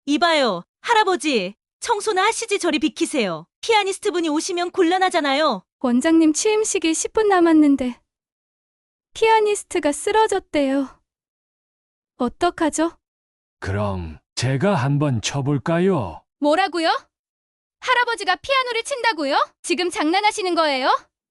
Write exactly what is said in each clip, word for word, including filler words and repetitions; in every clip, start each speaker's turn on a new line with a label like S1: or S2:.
S1: 이봐요, 할아버지. 청소나 하시지 저리 비키세요. 피아니스트 분이 오시면 곤란하잖아요.
S2: 원장님 취임식이 십 분 남았는데 피아니스트가 쓰러졌대요. 어떡하죠?
S3: 그럼 제가 한번 쳐볼까요?
S2: 뭐라고요? 할아버지가 피아노를 친다고요? 지금 장난하시는 거예요?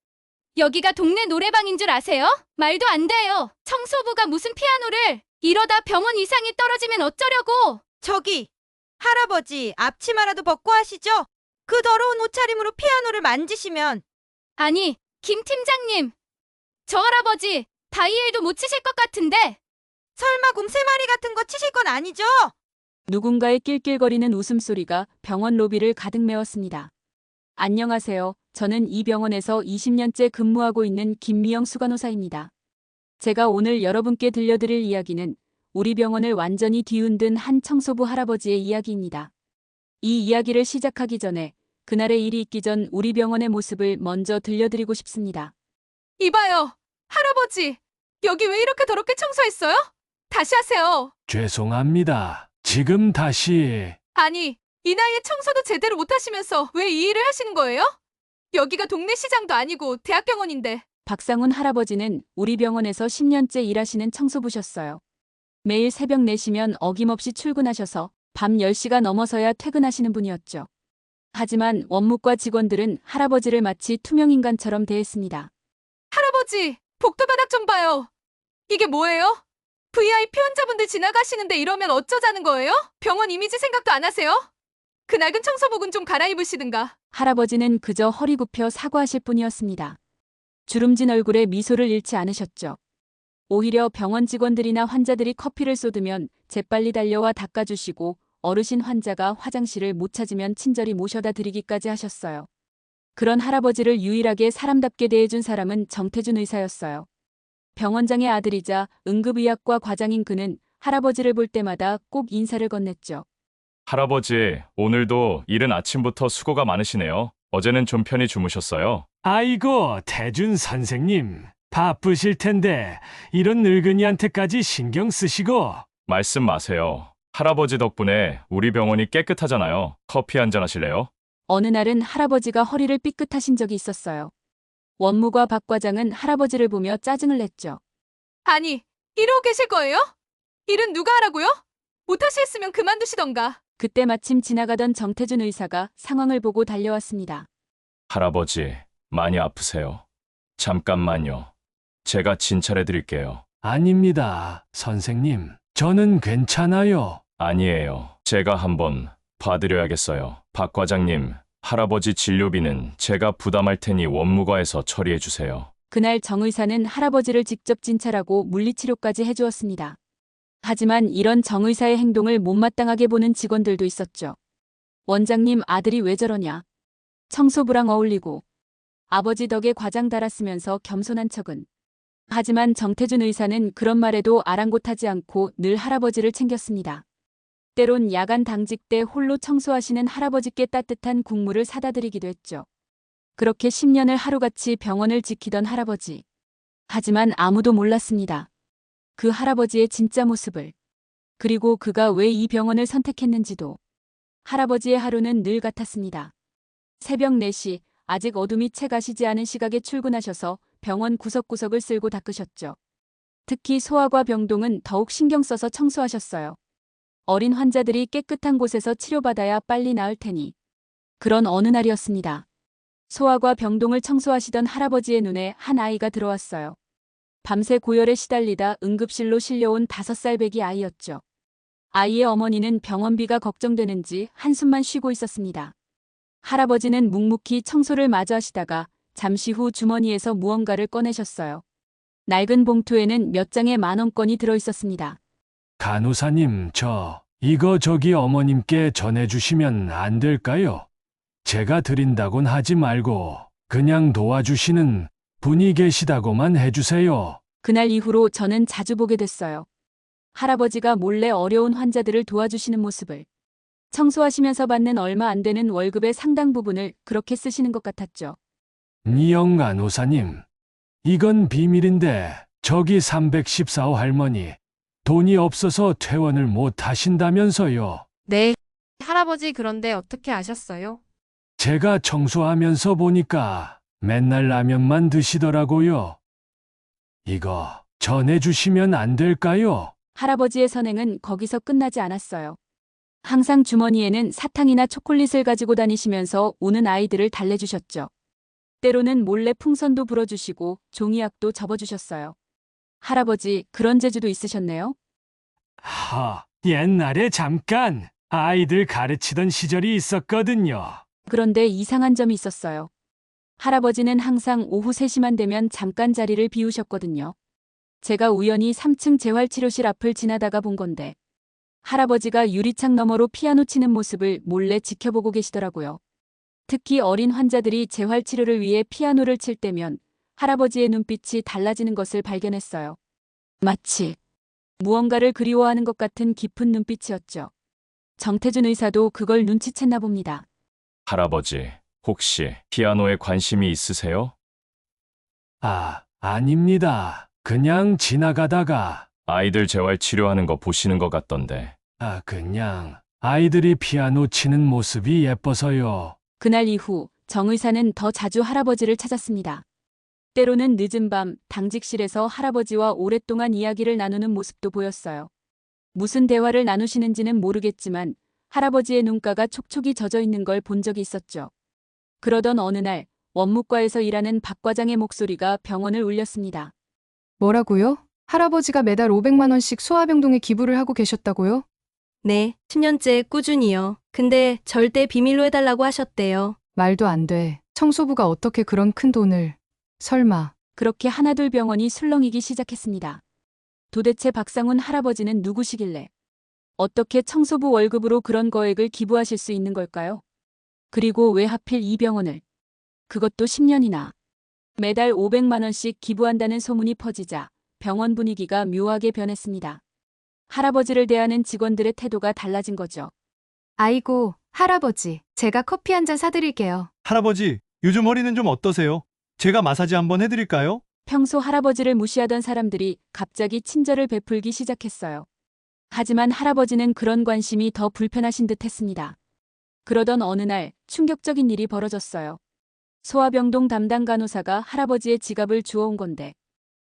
S2: 여기가 동네 노래방인 줄 아세요? 말도 안 돼요. 청소부가 무슨 피아노를. 이러다 병원 이상이 떨어지면 어쩌려고.
S4: 저기, 할아버지 앞치마라도 벗고 하시죠? 그 더러운 옷차림으로 피아노를 만지시면.
S2: 아니, 김 팀장님. 저 할아버지 바이엘도 못 치실 것 같은데.
S4: 설마 곰 세 마리 같은 거 치실 건 아니죠?
S5: 누군가의 낄낄거리는 웃음소리가 병원 로비를 가득 메웠습니다. 안녕하세요. 저는 이 병원에서 이십 년째 근무하고 있는 김미영 수간호사입니다. 제가 오늘 여러분께 들려드릴 이야기는 우리 병원을 완전히 뒤흔든 한 청소부 할아버지의 이야기입니다. 이 이야기를 시작하기 전에 그날의 일이 있기 전 우리 병원의 모습을 먼저 들려드리고 싶습니다.
S2: 이봐요. 할아버지. 여기 왜 이렇게 더럽게 청소했어요? 다시 하세요.
S3: 죄송합니다. 지금 다시.
S2: 아니, 이 나이에 청소도 제대로 못 하시면서 왜 이 일을 하시는 거예요? 여기가 동네 시장도 아니고 대학병원인데.
S5: 박상훈 할아버지는 우리 병원에서 십 년째 일하시는 청소부셨어요. 매일 새벽 네 시면 어김없이 출근하셔서 밤 열 시가 넘어서야 퇴근하시는 분이었죠. 하지만 원무과 직원들은 할아버지를 마치 투명인간처럼 대했습니다.
S2: 할아버지, 복도 바닥 좀 봐요. 이게 뭐예요? 브이아이피 환자분들 지나가시는데 이러면 어쩌자는 거예요? 병원 이미지 생각도 안 하세요? 그 낡은 청소복은 좀 갈아입으시든가.
S5: 할아버지는 그저 허리 굽혀 사과하실 뿐이었습니다. 주름진 얼굴에 미소를 잃지 않으셨죠. 오히려 병원 직원들이나 환자들이 커피를 쏟으면 재빨리 달려와 닦아주시고 어르신 환자가 화장실을 못 찾으면 친절히 모셔다 드리기까지 하셨어요. 그런 할아버지를 유일하게 사람답게 대해준 사람은 정태준 의사였어요. 병원장의 아들이자 응급의학과 과장인 그는 할아버지를 볼 때마다 꼭 인사를 건넸죠.
S6: 할아버지, 오늘도 이른 아침부터 수고가 많으시네요. 어제는 좀 편히 주무셨어요?
S3: 아이고, 태준 선생님. 바쁘실 텐데 이런 늙은이한테까지 신경 쓰시고.
S6: 말씀 마세요. 할아버지 덕분에 우리 병원이 깨끗하잖아요. 커피 한잔 하실래요?
S5: 어느 날은 할아버지가 허리를 삐끗하신 적이 있었어요. 원무과 박 과장은 할아버지를 보며 짜증을 냈죠.
S2: 아니, 이러고 계실 거예요? 일은 누가 하라고요? 못하시겠으면 그만두시던가.
S5: 그때 마침 지나가던 정태준 의사가 상황을 보고 달려왔습니다.
S6: 할아버지, 많이 아프세요? 잠깐만요. 제가 진찰해 드릴게요.
S3: 아닙니다, 선생님. 저는 괜찮아요.
S6: 아니에요. 제가 한번 봐드려야겠어요. 박 과장님, 할아버지 진료비는 제가 부담할 테니 원무과에서 처리해 주세요.
S5: 그날 정 의사는 할아버지를 직접 진찰하고 물리치료까지 해주었습니다. 하지만 이런 정 의사의 행동을 못마땅하게 보는 직원들도 있었죠. 원장님 아들이 왜 저러냐. 청소부랑 어울리고 아버지 덕에 과장 달았으면서 겸손한 척은. 하지만 정태준 의사는 그런 말에도 아랑곳하지 않고 늘 할아버지를 챙겼습니다. 때론 야간 당직 때 홀로 청소하시는 할아버지께 따뜻한 국물을 사다 드리기도 했죠. 그렇게 십 년을 하루같이 병원을 지키던 할아버지. 하지만 아무도 몰랐습니다. 그 할아버지의 진짜 모습을. 그리고 그가 왜 이 병원을 선택했는지도. 할아버지의 하루는 늘 같았습니다. 새벽 네 시, 아직 어둠이 채 가시지 않은 시각에 출근하셔서 병원 구석구석을 쓸고 닦으셨죠. 특히 소아과 병동은 더욱 신경 써서 청소하셨어요. 어린 환자들이 깨끗한 곳에서 치료받아야 빨리 나을 테니. 그런 어느 날이었습니다. 소아과 병동을 청소하시던 할아버지의 눈에 한 아이가 들어왔어요. 밤새 고열에 시달리다 응급실로 실려온 다섯 살 배기 아이였죠. 아이의 어머니는 병원비가 걱정되는지 한숨만 쉬고 있었습니다. 할아버지는 묵묵히 청소를 마저 하시다가 잠시 후 주머니에서 무언가를 꺼내셨어요. 낡은 봉투에는 몇 장의 만원권이 들어있었습니다.
S3: 간호사님, 저 이거 저기 어머님께 전해주시면 안 될까요? 제가 드린다곤 하지 말고 그냥 도와주시는 분이 계시다고만 해주세요.
S5: 그날 이후로 저는 자주 보게 됐어요. 할아버지가 몰래 어려운 환자들을 도와주시는 모습을. 청소하시면서 받는 얼마 안 되는 월급의 상당 부분을 그렇게 쓰시는 것 같았죠.
S3: 미영 간호사님, 이건 비밀인데 저기 삼백십사 호 할머니 돈이 없어서 퇴원을 못 하신다면서요.
S5: 네,
S7: 할아버지 그런데 어떻게 아셨어요?
S3: 제가 청소하면서 보니까 맨날 라면만 드시더라고요. 이거 전해주시면 안 될까요?
S5: 할아버지의 선행은 거기서 끝나지 않았어요. 항상 주머니에는 사탕이나 초콜릿을 가지고 다니시면서 우는 아이들을 달래주셨죠. 때로는 몰래 풍선도 불어주시고 종이약도 접어주셨어요. 할아버지, 그런 재주도 있으셨네요.
S3: 하, 옛날에 잠깐 아이들 가르치던 시절이 있었거든요.
S5: 그런데 이상한 점이 있었어요. 할아버지는 항상 오후 세 시만 되면 잠깐 자리를 비우셨거든요. 제가 우연히 삼 층 재활치료실 앞을 지나다가 본 건데 할아버지가 유리창 너머로 피아노 치는 모습을 몰래 지켜보고 계시더라고요. 특히 어린 환자들이 재활치료를 위해 피아노를 칠 때면 할아버지의 눈빛이 달라지는 것을 발견했어요. 마치 무언가를 그리워하는 것 같은 깊은 눈빛이었죠. 정태준 의사도 그걸 눈치챘나 봅니다.
S6: 할아버지, 혹시 피아노에 관심이 있으세요?
S3: 아, 아닙니다. 그냥 지나가다가,
S6: 아이들 재활 치료하는 거 보시는 것 같던데.
S3: 아, 그냥 아이들이 피아노 치는 모습이 예뻐서요.
S5: 그날 이후 정 의사는 더 자주 할아버지를 찾았습니다. 때로는 늦은 밤 당직실에서 할아버지와 오랫동안 이야기를 나누는 모습도 보였어요. 무슨 대화를 나누시는지는 모르겠지만 할아버지의 눈가가 촉촉이 젖어 있는 걸 본 적이 있었죠. 그러던 어느 날 원무과에서 일하는 박 과장의 목소리가 병원을 울렸습니다.
S8: 뭐라고요? 할아버지가 매달 오백만 원씩 소아병동에 기부를 하고 계셨다고요?
S9: 네, 십 년째 꾸준히요. 근데 절대 비밀로 해달라고 하셨대요.
S8: 말도 안 돼. 청소부가 어떻게 그런 큰 돈을. 설마.
S5: 그렇게 하나둘 병원이 술렁이기 시작했습니다. 도대체 박상훈 할아버지는 누구시길래 어떻게 청소부 월급으로 그런 거액을 기부하실 수 있는 걸까요? 그리고 왜 하필 이 병원을? 그것도 십 년이나. 매달 오백만 원씩 기부한다는 소문이 퍼지자 병원 분위기가 묘하게 변했습니다. 할아버지를 대하는 직원들의 태도가 달라진 거죠.
S8: 아이고, 할아버지. 제가 커피 한 잔 사드릴게요.
S10: 할아버지, 요즘 허리는 좀 어떠세요? 제가 마사지 한번 해드릴까요?
S5: 평소 할아버지를 무시하던 사람들이 갑자기 친절을 베풀기 시작했어요. 하지만 할아버지는 그런 관심이 더 불편하신 듯 했습니다. 그러던 어느 날 충격적인 일이 벌어졌어요. 소아병동 담당 간호사가 할아버지의 지갑을 주워온 건데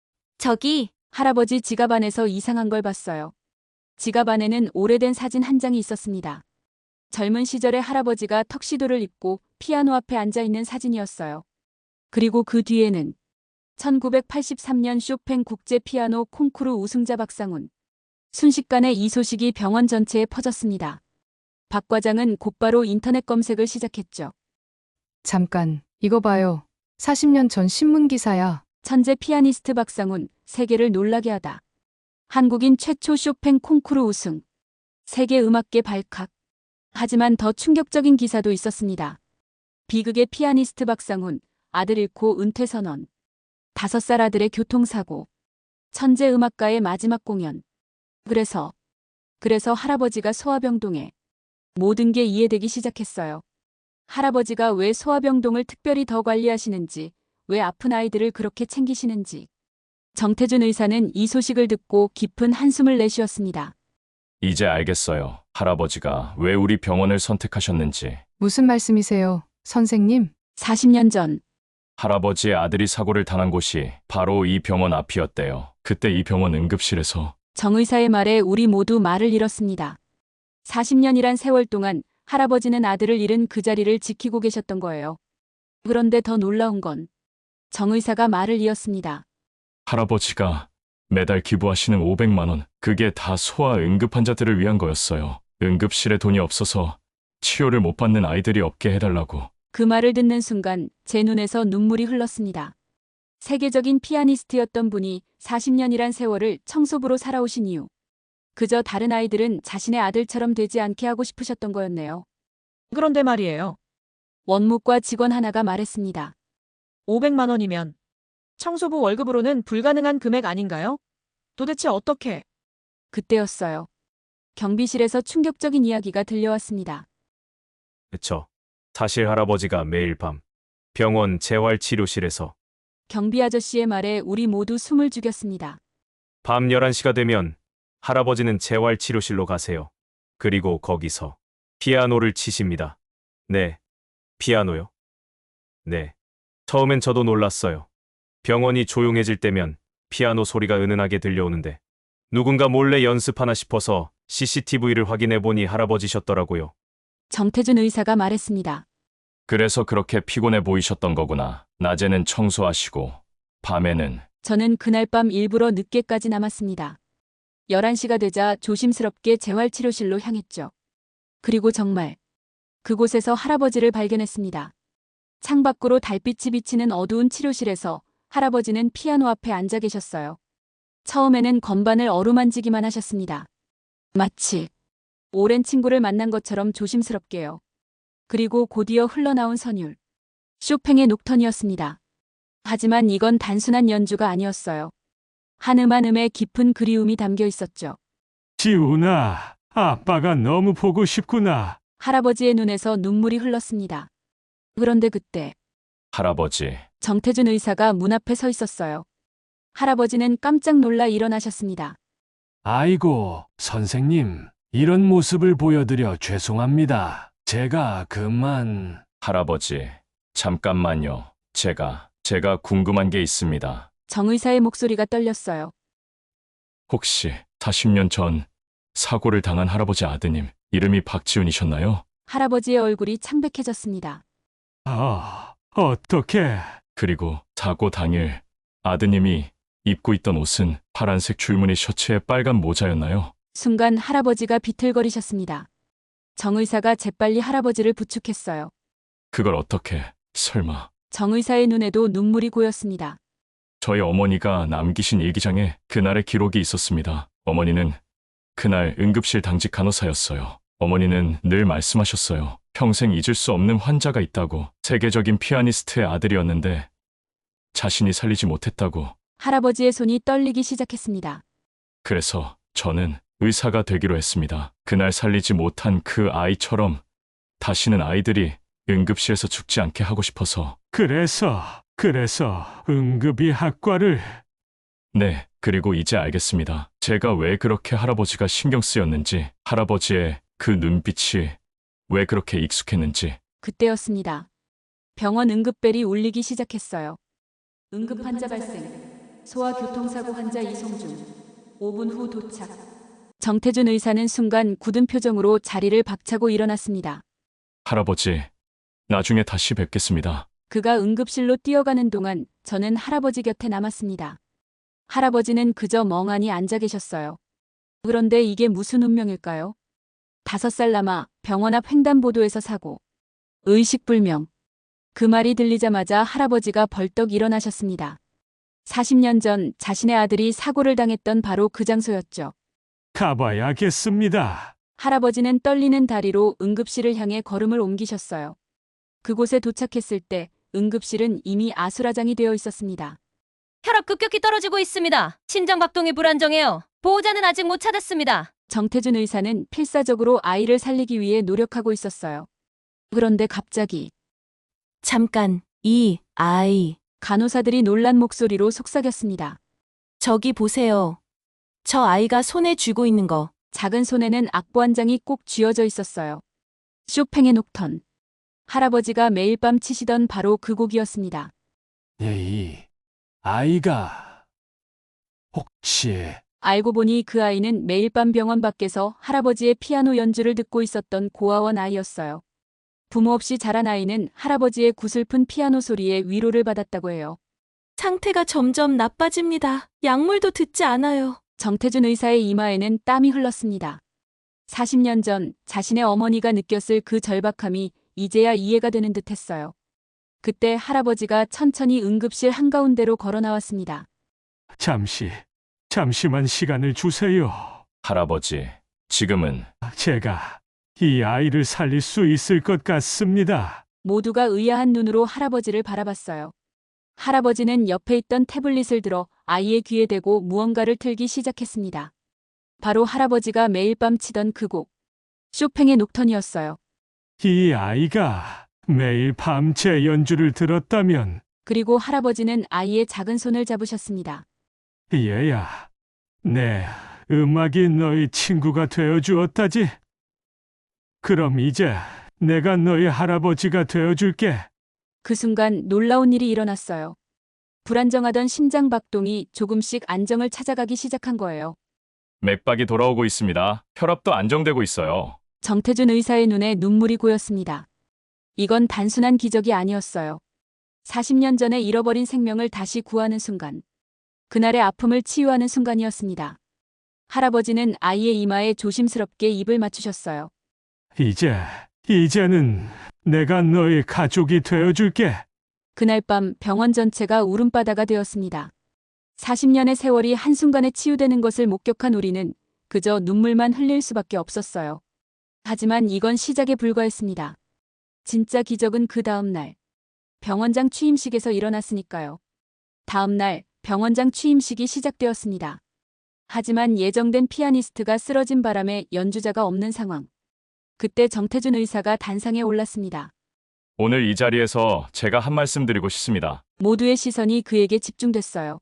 S9: 저기,
S5: 할아버지 지갑 안에서 이상한 걸 봤어요. 지갑 안에는 오래된 사진 한 장이 있었습니다. 젊은 시절의 할아버지가 턱시도를 입고 피아노 앞에 앉아 있는 사진이었어요. 그리고 그 뒤에는 천구백팔십삼 년 쇼팽 국제 피아노 콩쿠르 우승자 박상훈. 순식간에 이 소식이 병원 전체에 퍼졌습니다. 박 과장은 곧바로 인터넷 검색을 시작했죠.
S8: 잠깐, 이거 봐요. 사십 년 전 신문 기사야.
S5: 천재 피아니스트 박상훈, 세계를 놀라게 하다. 한국인 최초 쇼팽 콩쿠르 우승. 세계 음악계 발칵. 하지만 더 충격적인 기사도 있었습니다. 비극의 피아니스트 박상훈, 아들 잃고 은퇴 선언. 다섯 살 아들의 교통사고. 천재 음악가의 마지막 공연. 그래서, 그래서 할아버지가 소아병동에 모든 게 이해되기 시작했어요. 할아버지가 왜 소아병동을 특별히 더 관리하시는지, 왜 아픈 아이들을 그렇게 챙기시는지. 정태준 의사는 이 소식을 듣고 깊은 한숨을 내쉬었습니다.
S6: 이제 알겠어요. 할아버지가 왜 우리 병원을 선택하셨는지.
S8: 무슨 말씀이세요, 선생님?
S5: 사십 년 전
S6: 할아버지의 아들이 사고를 당한 곳이 바로 이 병원 앞이었대요. 그때 이 병원 응급실에서
S5: 정 의사의 말에 우리 모두 말을 잃었습니다. 사십 년이란 세월 동안 할아버지는 아들을 잃은 그 자리를 지키고 계셨던 거예요. 그런데 더 놀라운 건 정 의사가 말을 이었습니다.
S6: 할아버지가 매달 기부하시는 오백만 원, 그게 다 소아 응급 환자들을 위한 거였어요. 응급실에 돈이 없어서 치료를 못 받는 아이들이 없게 해달라고.
S5: 그 말을 듣는 순간 제 눈에서 눈물이 흘렀습니다. 세계적인 피아니스트였던 분이 사십 년이란 세월을 청소부로 살아오신 이유. 그저 다른 아이들은 자신의 아들처럼 되지 않게 하고 싶으셨던 거였네요.
S1: 그런데 말이에요.
S5: 원무과 직원 하나가 말했습니다.
S1: 오백만 원이면 청소부 월급으로는 불가능한 금액 아닌가요? 도대체 어떻게?
S5: 그때였어요. 경비실에서 충격적인 이야기가 들려왔습니다.
S11: 그쵸. 사실 할아버지가 매일 밤 병원 재활치료실에서
S5: 경비 아저씨의 말에 우리 모두 숨을 죽였습니다.
S11: 밤 열한 시가 되면 할아버지는 재활치료실로 가세요. 그리고 거기서 피아노를 치십니다. 네. 피아노요? 네. 처음엔 저도 놀랐어요. 병원이 조용해질 때면 피아노 소리가 은은하게 들려오는데 누군가 몰래 연습하나 싶어서 씨씨티비를 확인해 보니 할아버지셨더라고요.
S5: 정태준 의사가 말했습니다.
S6: 그래서 그렇게 피곤해 보이셨던 거구나. 낮에는 청소하시고 밤에는.
S5: 저는 그날 밤 일부러 늦게까지 남았습니다. 열한 시가 되자 조심스럽게 재활치료실로 향했죠. 그리고 정말 그곳에서 할아버지를 발견했습니다. 창밖으로 달빛이 비치는 어두운 치료실에서 할아버지는 피아노 앞에 앉아 계셨어요. 처음에는 건반을 어루만지기만 하셨습니다. 마치 오랜 친구를 만난 것처럼 조심스럽게요. 그리고 곧이어 흘러나온 선율. 쇼팽의 녹턴이었습니다. 하지만 이건 단순한 연주가 아니었어요. 한 음 한 음에 깊은 그리움이 담겨 있었죠.
S3: 지훈아, 아빠가 너무 보고 싶구나.
S5: 할아버지의 눈에서 눈물이 흘렀습니다. 그런데 그때
S6: 할아버지.
S5: 정태준 의사가 문 앞에 서 있었어요. 할아버지는 깜짝 놀라 일어나셨습니다.
S3: 아이고, 선생님. 이런 모습을 보여드려 죄송합니다. 제가 그만...
S6: 할아버지. 잠깐만요. 제가, 제가 궁금한 게 있습니다.
S5: 정 의사의 목소리가 떨렸어요.
S6: 혹시 사십 년 전 사고를 당한 할아버지 아드님 이름이 박지훈이셨나요?
S5: 할아버지의 얼굴이 창백해졌습니다.
S3: 아, 어떡해.
S6: 그리고 사고 당일 아드님이 입고 있던 옷은 파란색 줄무늬 셔츠에 빨간 모자였나요?
S5: 순간 할아버지가 비틀거리셨습니다. 정 의사가 재빨리 할아버지를 부축했어요.
S6: 그걸 어떻게, 설마.
S5: 정 의사의 눈에도 눈물이 고였습니다.
S6: 저희 어머니가 남기신 일기장에 그날의 기록이 있었습니다. 어머니는 그날 응급실 당직 간호사였어요. 어머니는 늘 말씀하셨어요. 평생 잊을 수 없는 환자가 있다고. 세계적인 피아니스트의 아들이었는데 자신이 살리지 못했다고.
S5: 할아버지의 손이 떨리기 시작했습니다.
S6: 그래서 저는 의사가 되기로 했습니다. 그날 살리지 못한 그 아이처럼 다시는 아이들이 응급실에서 죽지 않게 하고 싶어서.
S3: 그래서, 그래서 응급의 학과를...
S6: 네, 그리고 이제 알겠습니다. 제가 왜 그렇게 할아버지가 신경 쓰였는지, 할아버지의 그 눈빛이 왜 그렇게 익숙했는지.
S5: 그때였습니다. 병원 응급벨이 울리기 시작했어요. 응급 환자 발생. 소아교통사고 환자 이송 중. 오 분 후 도착. 정태준 의사는 순간 굳은 표정으로 자리를 박차고 일어났습니다.
S6: 할아버지, 나중에 다시 뵙겠습니다.
S5: 그가 응급실로 뛰어가는 동안 저는 할아버지 곁에 남았습니다. 할아버지는 그저 멍하니 앉아 계셨어요. 그런데 이게 무슨 운명일까요? 다섯 살 남아 병원 앞 횡단보도에서 사고. 의식불명. 그 말이 들리자마자 할아버지가 벌떡 일어나셨습니다. 사십 년 전 자신의 아들이 사고를 당했던 바로 그 장소였죠.
S3: 가봐야겠습니다.
S5: 할아버지는 떨리는 다리로 응급실을 향해 걸음을 옮기셨어요. 그곳에 도착했을 때 응급실은 이미 아수라장이 되어 있었습니다.
S1: 혈압 급격히 떨어지고 있습니다. 심장 박동이 불안정해요. 보호자는 아직 못 찾았습니다.
S5: 정태준 의사는 필사적으로 아이를 살리기 위해 노력하고 있었어요. 그런데 갑자기
S1: 잠깐, 이 아이.
S5: 간호사들이 놀란 목소리로 속삭였습니다.
S1: 저기 보세요. 저 아이가 손에 쥐고 있는 거.
S5: 작은 손에는 악보 한 장이 꼭 쥐어져 있었어요. 쇼팽의 녹턴. 할아버지가 매일 밤 치시던 바로 그 곡이었습니다.
S3: 이 아이가 혹시...
S5: 알고 보니 그 아이는 매일 밤 병원 밖에서 할아버지의 피아노 연주를 듣고 있었던 고아원 아이였어요. 부모 없이 자란 아이는 할아버지의 구슬픈 피아노 소리에 위로를 받았다고 해요.
S1: 상태가 점점 나빠집니다. 약물도 듣지 않아요.
S5: 정태준 의사의 이마에는 땀이 흘렀습니다. 사십 년 전 자신의 어머니가 느꼈을 그 절박함이 이제야 이해가 되는 듯 했어요. 그때 할아버지가 천천히 응급실 한가운데로 걸어 나왔습니다.
S3: 잠시, 잠시만 시간을 주세요.
S6: 할아버지, 지금은...
S3: 제가 이 아이를 살릴 수 있을 것 같습니다.
S5: 모두가 의아한 눈으로 할아버지를 바라봤어요. 할아버지는 옆에 있던 태블릿을 들어 아이의 귀에 대고 무언가를 틀기 시작했습니다. 바로 할아버지가 매일 밤 치던 그 곡, 쇼팽의 녹턴이었어요.
S3: 이 아이가 매일 밤 제 연주를 들었다면...
S5: 그리고 할아버지는 아이의 작은 손을 잡으셨습니다.
S3: 얘야, 내 음악이 너의 친구가 되어주었다지. 그럼 이제 내가 너희 할아버지가 되어줄게.
S5: 그 순간 놀라운 일이 일어났어요. 불안정하던 심장 박동이 조금씩 안정을 찾아가기 시작한 거예요.
S6: 맥박이 돌아오고 있습니다. 혈압도 안정되고 있어요.
S5: 정태준 의사의 눈에 눈물이 고였습니다. 이건 단순한 기적이 아니었어요. 사십 년 전에 잃어버린 생명을 다시 구하는 순간. 그날의 아픔을 치유하는 순간이었습니다. 할아버지는 아이의 이마에 조심스럽게 입을 맞추셨어요.
S3: 이제, 이제는 내가 너희 가족이 되어줄게.
S5: 그날 밤 병원 전체가 울음바다가 되었습니다. 사십 년의 세월이 한순간에 치유되는 것을 목격한 우리는 그저 눈물만 흘릴 수밖에 없었어요. 하지만 이건 시작에 불과했습니다. 진짜 기적은 그 다음 날 병원장 취임식에서 일어났으니까요. 다음 날 병원장 취임식이 시작되었습니다. 하지만 예정된 피아니스트가 쓰러진 바람에 연주자가 없는 상황. 그때 정태준 의사가 단상에 올랐습니다.
S6: 오늘 이 자리에서 제가 한 말씀 드리고 싶습니다.
S5: 모두의 시선이 그에게 집중됐어요.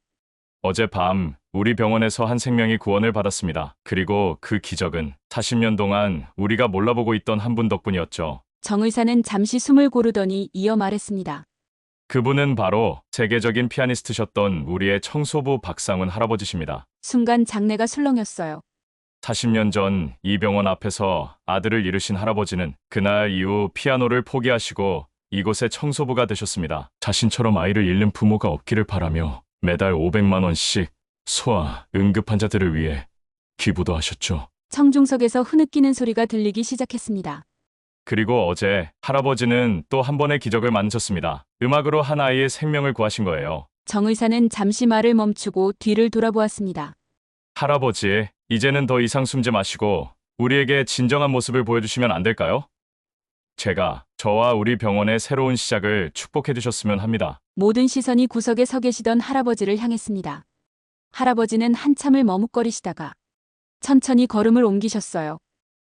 S6: 어젯밤 우리 병원에서 한 생명이 구원을 받았습니다. 그리고 그 기적은 사십 년 동안 우리가 몰라보고 있던 한 분 덕분이었죠.
S5: 정 의사는 잠시 숨을 고르더니 이어 말했습니다.
S6: 그분은 바로 세계적인 피아니스트셨던 우리의 청소부 박상훈 할아버지십니다.
S5: 순간 장내가 술렁였어요.
S6: 사십 년 전 이 병원 앞에서 아들을 잃으신 할아버지는 그날 이후 피아노를 포기하시고 이곳의 청소부가 되셨습니다. 자신처럼 아이를 잃는 부모가 없기를 바라며 매달 오백만 원씩 소아, 응급 환자들을 위해 기부도 하셨죠.
S5: 청중석에서 흐느끼는 소리가 들리기 시작했습니다.
S6: 그리고 어제 할아버지는 또 한 번의 기적을 만드셨습니다. 음악으로 한 아이의 생명을 구하신 거예요.
S5: 정 의사는 잠시 말을 멈추고 뒤를 돌아보았습니다.
S6: 할아버지, 이제는 더 이상 숨지 마시고 우리에게 진정한 모습을 보여주시면 안 될까요? 제가 저와 우리 병원의 새로운 시작을 축복해 주셨으면 합니다.
S5: 모든 시선이 구석에 서 계시던 할아버지를 향했습니다. 할아버지는 한참을 머뭇거리시다가 천천히 걸음을 옮기셨어요.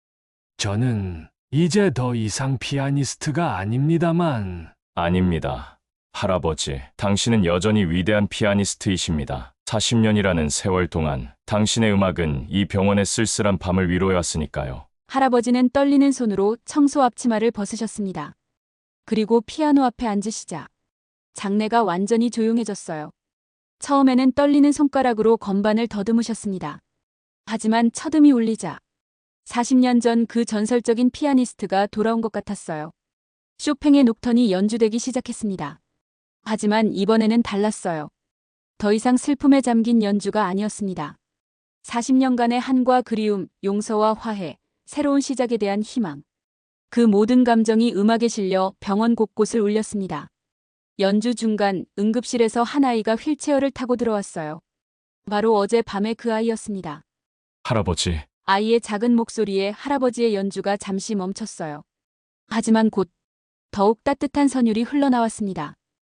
S3: 저는 이제 더 이상 피아니스트가 아닙니다만.
S6: 아닙니다. 할아버지, 당신은 여전히 위대한 피아니스트이십니다. 사십 년이라는 세월 동안 당신의 음악은 이 병원의 쓸쓸한 밤을 위로해왔으니까요.
S5: 할아버지는 떨리는 손으로 청소 앞치마를 벗으셨습니다. 그리고 피아노 앞에 앉으시자 장내가 완전히 조용해졌어요. 처음에는 떨리는 손가락으로 건반을 더듬으셨습니다. 하지만 첫음이 울리자 사십 년 전 그 전설적인 피아니스트가 돌아온 것 같았어요. 쇼팽의 녹턴이 연주되기 시작했습니다. 하지만 이번에는 달랐어요. 더 이상 슬픔에 잠긴 연주가 아니었습니다. 사십 년간의 한과 그리움, 용서와 화해, 새로운 시작에 대한 희망. 그 모든 감정이 음악에 실려 병원 곳곳을 울렸습니다. 연주 중간 응급실에서 한 아이가 휠체어를 타고 들어왔어요. 바로 어제 밤의 그 아이였습니다.
S6: 할아버지,
S5: 아이의 작은 목소리에 할아버지의 연주가 잠시 멈췄어요. 하지만 곧 더욱 따뜻한 선율이 흘러나왔습니다.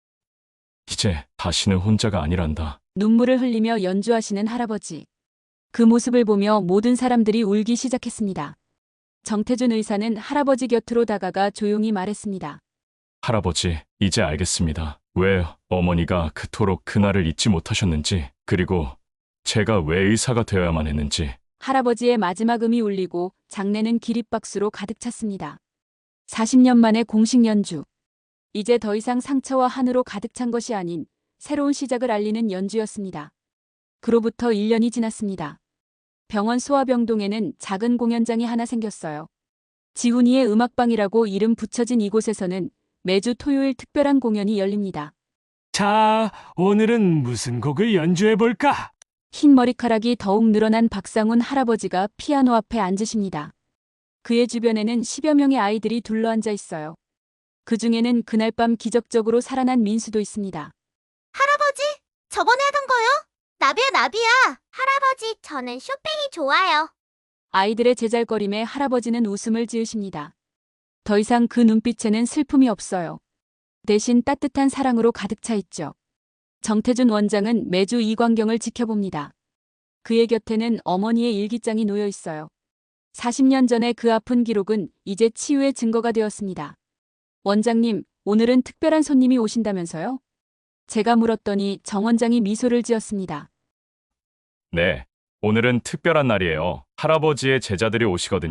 S6: 이제 다시는 혼자가 아니란다.
S5: 눈물을 흘리며 연주하시는 할아버지. 그 모습을 보며 모든 사람들이 울기 시작했습니다. 정태준 의사는 할아버지 곁으로 다가가 조용히 말했습니다.
S6: 할아버지, 이제 알겠습니다. 왜 어머니가 그토록 그날을 잊지 못하셨는지, 그리고 제가 왜 의사가 되어야만 했는지.
S5: 할아버지의 마지막 음이 울리고 장내는 기립박수로 가득 찼습니다. 사십 년 만의 공식 연주. 이제 더 이상 상처와 한으로 가득 찬 것이 아닌 새로운 시작을 알리는 연주였습니다. 그로부터 일 년이 지났습니다. 병원 소아병동에는 작은 공연장이 하나 생겼어요. 지훈이의 음악방이라고 이름 붙여진 이곳에서는 매주 토요일 특별한 공연이 열립니다.
S3: 자, 오늘은 무슨 곡을 연주해볼까?
S5: 흰 머리카락이 더욱 늘어난 박상훈 할아버지가 피아노 앞에 앉으십니다. 그의 주변에는 십여 명의 아이들이 둘러앉아 있어요. 그 중에는 그날 밤 기적적으로 살아난 민수도 있습니다.
S12: 할아버지, 저번에 하던 거요? 나비야, 나비야. 할아버지, 저는 쇼팽이 좋아요.
S5: 아이들의 제잘거림에 할아버지는 웃음을 지으십니다. 더 이상 그 눈빛에는 슬픔이 없어요. 대신 따뜻한 사랑으로 가득 차 있죠. 정태준 원장은 매주 이 광경을 지켜봅니다. 그의 곁에는 어머니의 일기장이 놓여 있어요. 사십 년 전의 그 아픈 기록은 이제 치유의 증거가 되었습니다. 원장님, 오늘은 특별한 손님이 오신다면서요? 제가 물었더니 정 원장이 미소를 지었습니다.
S6: 네, 오늘은 특별한 날이에요. 할아버지의 제자들이 오시거든요.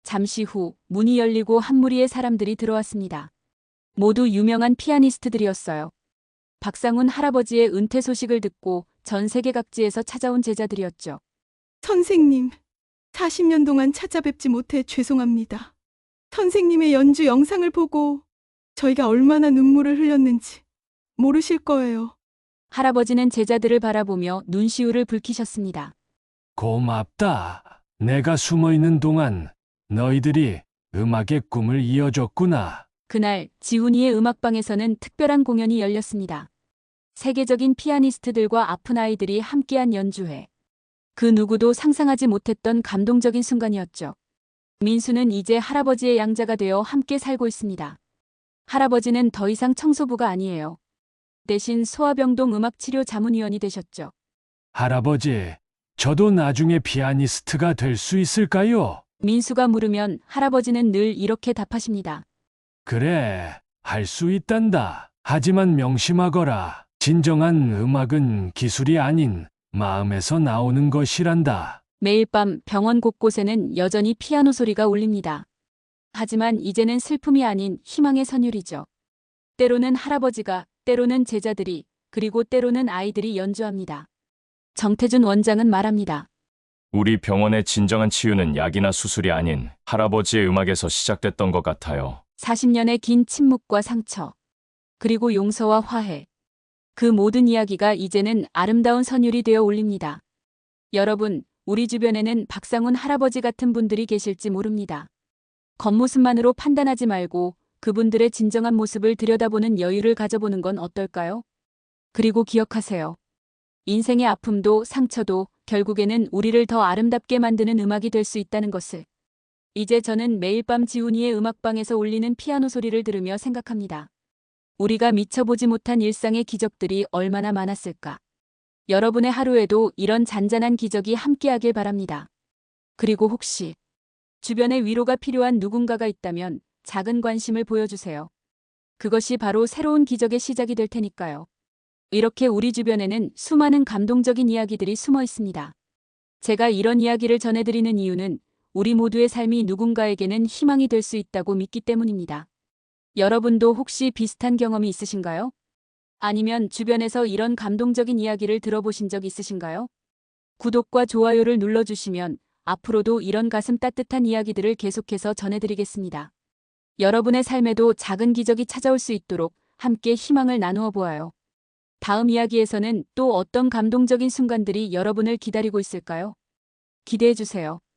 S5: 잠시 후 문이 열리고 한 무리의 사람들이 들어왔습니다. 모두 유명한 피아니스트들이었어요. 박상훈 할아버지의 은퇴 소식을 듣고 전 세계 각지에서 찾아온 제자들이었죠.
S13: 선생님, 사십 년 동안 찾아뵙지 못해 죄송합니다. 선생님의 연주 영상을 보고 저희가 얼마나 눈물을 흘렸는지 모르실 거예요.
S5: 할아버지는 제자들을 바라보며 눈시울을 붉히셨습니다.
S3: 고맙다. 내가 숨어 있는 동안 너희들이 음악의 꿈을 이어줬구나.
S5: 그날 지훈이의 음악방에서는 특별한 공연이 열렸습니다. 세계적인 피아니스트들과 아픈 아이들이 함께한 연주회. 그 누구도 상상하지 못했던 감동적인 순간이었죠. 민수는 이제 할아버지의 양자가 되어 함께 살고 있습니다. 할아버지는 더 이상 청소부가 아니에요. 대신 소아병동 음악치료 자문위원이 되셨죠.
S3: 할아버지, 저도 나중에 피아니스트가 될 수 있을까요?
S5: 민수가 물으면 할아버지는 늘 이렇게 답하십니다.
S3: 그래, 할 수 있단다. 하지만 명심하거라. 진정한 음악은 기술이 아닌 마음에서 나오는 것이란다.
S5: 매일 밤 병원 곳곳에는 여전히 피아노 소리가 울립니다. 하지만 이제는 슬픔이 아닌 희망의 선율이죠. 때로는 할아버지가, 때로는 제자들이, 그리고 때로는 아이들이 연주합니다. 정태준 원장은 말합니다.
S6: 우리 병원의 진정한 치유는 약이나 수술이 아닌 할아버지의 음악에서 시작됐던 것 같아요.
S5: 사십 년의 긴 침묵과 상처, 그리고 용서와 화해. 그 모든 이야기가 이제는 아름다운 선율이 되어 올립니다. 여러분, 우리 주변에는 박상훈 할아버지 같은 분들이 계실지 모릅니다. 겉모습만으로 판단하지 말고 그분들의 진정한 모습을 들여다보는 여유를 가져보는 건 어떨까요? 그리고 기억하세요. 인생의 아픔도 상처도 결국에는 우리를 더 아름답게 만드는 음악이 될 수 있다는 것을. 이제 저는 매일 밤 지훈이의 음악방에서 울리는 피아노 소리를 들으며 생각합니다. 우리가 미쳐보지 못한 일상의 기적들이 얼마나 많았을까. 여러분의 하루에도 이런 잔잔한 기적이 함께하길 바랍니다. 그리고 혹시 주변에 위로가 필요한 누군가가 있다면 작은 관심을 보여주세요. 그것이 바로 새로운 기적의 시작이 될 테니까요. 이렇게 우리 주변에는 수많은 감동적인 이야기들이 숨어 있습니다. 제가 이런 이야기를 전해드리는 이유는 우리 모두의 삶이 누군가에게는 희망이 될 수 있다고 믿기 때문입니다. 여러분도 혹시 비슷한 경험이 있으신가요? 아니면 주변에서 이런 감동적인 이야기를 들어보신 적 있으신가요? 구독과 좋아요를 눌러주시면 앞으로도 이런 가슴 따뜻한 이야기들을 계속해서 전해드리겠습니다. 여러분의 삶에도 작은 기적이 찾아올 수 있도록 함께 희망을 나누어 보아요. 다음 이야기에서는 또 어떤 감동적인 순간들이 여러분을 기다리고 있을까요? 기대해 주세요.